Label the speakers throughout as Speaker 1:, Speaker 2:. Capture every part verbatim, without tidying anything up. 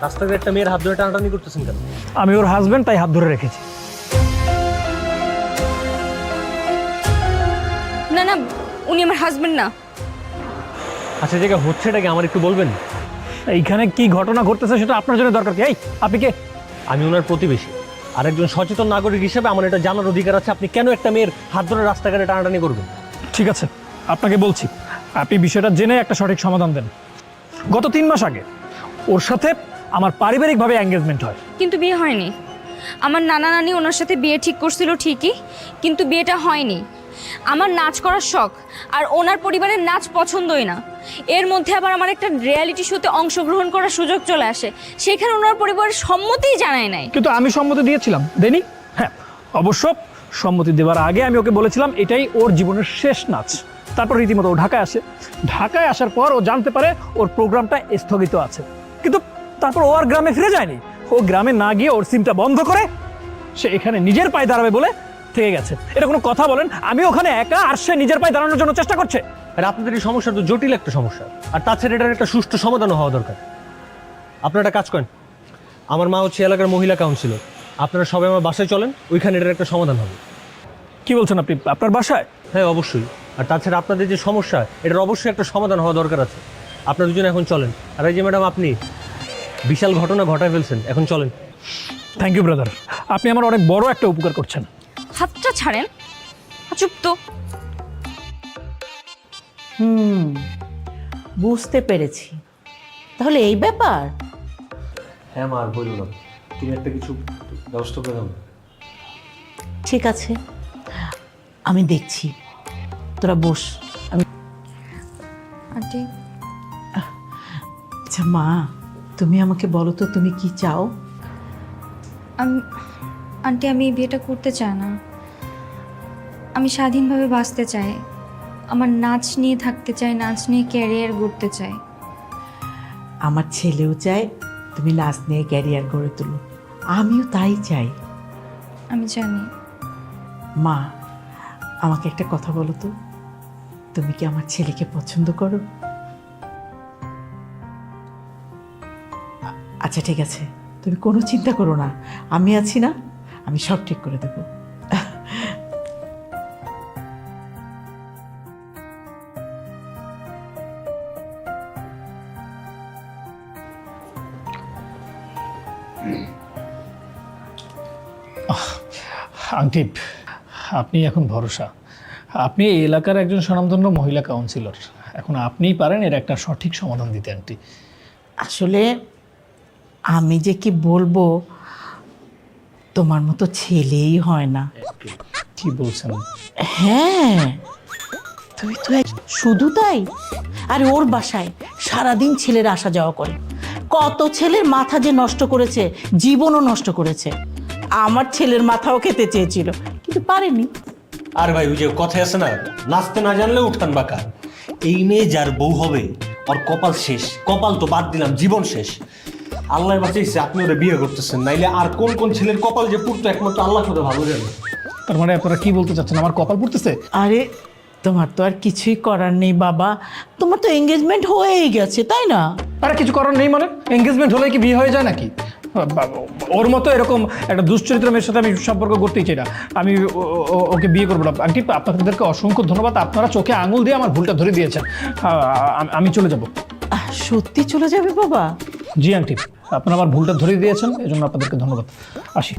Speaker 1: রাস্তায় একটা মেয়ের হাত ধরে টানাটানি করতেছেন কেন?
Speaker 2: আমি ওর হাজবেন্ড, তাই হাত ধরে রেখেছি।
Speaker 3: না না, উনি আমার হাজবেন্ড না।
Speaker 1: আচ্ছা জায়গা হচ্ছে এটাকে আমার একটু বলবেন?
Speaker 2: এইখানে কি ঘটনা ঘটতেছে সেটা আপনার জন্য দরকার কি? এই আপনি কে?
Speaker 1: আমি ওনার প্রতিবেশী, আর একজন সচেতন নাগরিক হিসেবে আমার এটা জানার অধিকার আছে আপনি কেন একটা মেয়ের হাত ধরে রাস্তাঘাটে টানাটানি করবেন।
Speaker 2: ঠিক আছে, আপনাকে বলছি, আপনি বিষয়টা জেনে একটা সঠিক সমাধান দেন। গত তিন মাস আগে ওর সাথে আমার পারিবারিকভাবে এঙ্গেজমেন্ট হয়।
Speaker 3: কিন্তু বিয়ে হয়নি। আমার নানা নানি ওনার সাথে বিয়ে ঠিক করছিল ঠিকই, কিন্তু বিয়েটা হয়নি। আমার নাচ করার শখ, আর ওনার পরিবারের নাচ পছন্দই না। এর মধ্যে আবার আমার একটা রিয়ালিটি শোতে অংশগ্রহণ করার সুযোগ চলে আসে, সেখানে ওনার পরিবারের সম্মতিই জানায় নাই।
Speaker 2: কিন্তু আমি সম্মতি দিয়েছিলাম, দেনি? হ্যাঁ, অবশ্য সম্মতি দেওয়ার আগে আমি ওকে বলেছিলাম এটাই ওর জীবনের শেষ নাচ। তারপর রীতিমতো ও ঢাকায় আসে। ঢাকায় আসার পর ও জানতে পারে ওর প্রোগ্রামটা স্থগিত আছে, কিন্তু তারপর ও আর গ্রামে ফিরে যায়নি। ও গ্রামে না গিয়ে ওর সিমটা বন্ধ করে সে এখানে নিজের পায়ে দাঁড়াবে বলে থেকে গেছে। এটা কোনো কথা বলেন? আমি ওখানে একা, আর সে নিজের পায়ে দাঁড়ানোর জন্য চেষ্টা করছে।
Speaker 1: আর আপনাদের এই সমস্যা তো জটিল একটা সমস্যা, আর তাছাড়া এটার একটা সুষ্ঠু সমাধানও হওয়া দরকার। আপনারা একটা কাজ করেন, আমার মা হচ্ছে এলাকার মহিলা কাউন্সিলর, আপনারা সবাই আমার বাসায় চলেন, ওইখানে এটার একটা সমাধান হবে।
Speaker 2: কি বলছেন আপনি? আপনার বাসায়?
Speaker 1: হ্যাঁ অবশ্যই। আর তাছাড়া আপনাদের যে সমস্যা, এটার অবশ্যই একটা সমাধান হওয়া দরকার আছে। আপনারা দুজন এখন চলেন। আর এই যে ম্যাডাম, আপনি বিশাল ঘটনা ঘটায় ফেলছেন, এখন চলেন।
Speaker 2: থ্যাংক ইউ ব্রাদার, আপনি আমার অনেক বড় একটা উপকার করছেন।
Speaker 3: হাতটা ছাড়েন, চুপ তো।
Speaker 4: হুম, বুঝতে পেরেছি। তাহলে এই ব্যাপার।
Speaker 1: হ্যাঁ মা, আর বলুন না, তুমি একটা কিছু ব্যবস্থা করে দাও।
Speaker 4: ঠিক আছে, আমি দেখছি, তোরা বস। আমি
Speaker 3: আন্টি,
Speaker 4: আচ্ছা মা, তুমি আমাকে বলো তো তুমি কি চাও?
Speaker 3: আমি আন্টি আমি এই বিয়েটা করতে চাই না। আমি স্বাধীনভাবে বাঁচতে চাই। আমার নাচ নিয়ে থাকতে চাই, নাচ নিয়ে ক্যারিয়ার গড়তে চাই।
Speaker 4: আমার ছেলেও চায় তুমি নাচ নিয়ে ক্যারিয়ার গড়ে তুলো, আমিও তাই চাই।
Speaker 3: আমি জানি।
Speaker 4: মা, আমাকে একটা কথা বলো তো, তুমি কি আমার ছেলেকে পছন্দ করো? আ- আচ্ছা ঠিক আছে, তুমি কোনো চিন্তা করো না, আমি আছি না, আমি সব ঠিক করে দেবো।
Speaker 2: আংটি, আপনি এখন ভরসা। আপনি এই এলাকার একজন স্বনামধন্য মহিলা কাউন্সিলর, এখন আপনিই পারেন এর একটা সঠিক সমাধান দিতে। আন্টি
Speaker 4: আসলে আমি যে কি বলবো, তোমার মতো ছেলেই হয় না।
Speaker 2: কি বলছেন?
Speaker 4: হ্যাঁ, তুই তো এক- শুধু তাই, আর ওর বাসায় সারাদিন ছেলেরা আসা যাওয়া করে। কত ছেলের মাথা যে নষ্ট করেছে, জীবনও নষ্ট করেছে। আমার ছেলের মাথাও খেতে চেয়েছিল, কিন্তু পারেনি।
Speaker 1: আর ভাই, ওই যে কথায় আছে না, নাচতে না জানলে উঠান বাঁকা। এই মেয়ে যার বউ হবে, ওর কপাল শেষ। কপাল তো বাদ দিলাম, জীবন শেষ। আল্লাহ বাঁচাইছে আপনি ওরা বিয়ে করতেছেন, নাইলে আর কোন কোন ছেলের কপাল যে পুরতো একমাত্র আল্লাহ করে ভালো জানে।
Speaker 2: তার মানে আপনারা কি বলতে চাচ্ছেন, আমার কপাল পুড়তেছে?
Speaker 4: আরে তোমার তো আর কিছুই করার নেই বাবা, তোমার তো এঙ্গেজমেন্ট হয়েই গেছে, তাই না?
Speaker 2: আরে কিছু করার নেই মানে? এঙ্গেজমেন্ট হলে কি বিয়ে হয়ে যায় নাকি? ওর মতো এরকম একটা দুশ্চরিত্র মেয়ের সাথে আমি সম্পর্ক করতেই চাই না। আমি ও- ও- ওকে বিয়ে করবো না। আন্টি, আপনাদেরকে অসংখ্য ধন্যবাদ, আপনারা চোখে আঙুল দিয়ে আমার ভুলটা ধরে দিয়েছেন। আ- আমি চলে যাব।
Speaker 4: আহ, সত্যি চলে যাবে বাবা?
Speaker 2: জি আন্টি, আপনারা আমার ভুলটা ধরে দিয়েছেন, এজন্য আপনাদেরকে ধন্যবাদ। আসি।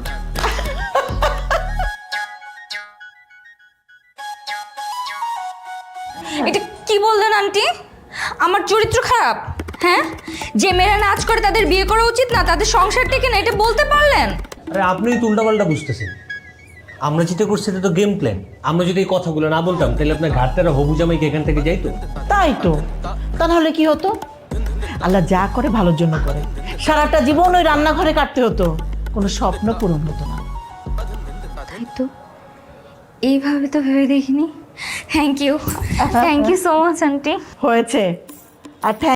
Speaker 3: এটা কি বললেন আন্টি? আমার চরিত্র খারাপ? হ্যাঁ, যে মেয়েরা নাচ করে তাদের বিয়ে করা উচিত না, তাদের সংসার টিকে না, এটা বলতে পারলেন?
Speaker 1: আরে আপনিই তো উল্টাপাল্টা বুঝতেছেন। আমরা যেটা করছি এটা তো গেম প্ল্যান। আমরা যদি এই কথাগুলো না বলতাম, তাহলে আপনার ঘাটতারা হবু জামাইকে এখান থেকে যাইতো।
Speaker 4: তাই তো, তা নাহলে কি হতো? আল্লাহ যা করে ভালোর জন্য করে। সারাটা জীবন ওই রান্নাঘরে কাটতে হতো, কোনো স্বপ্ন পূরণ হতো না।
Speaker 3: তাই তো, এইভাবে তো ভেবে দেখিনি। Thank you, thank you so much aunty.
Speaker 4: হয়েছে। আর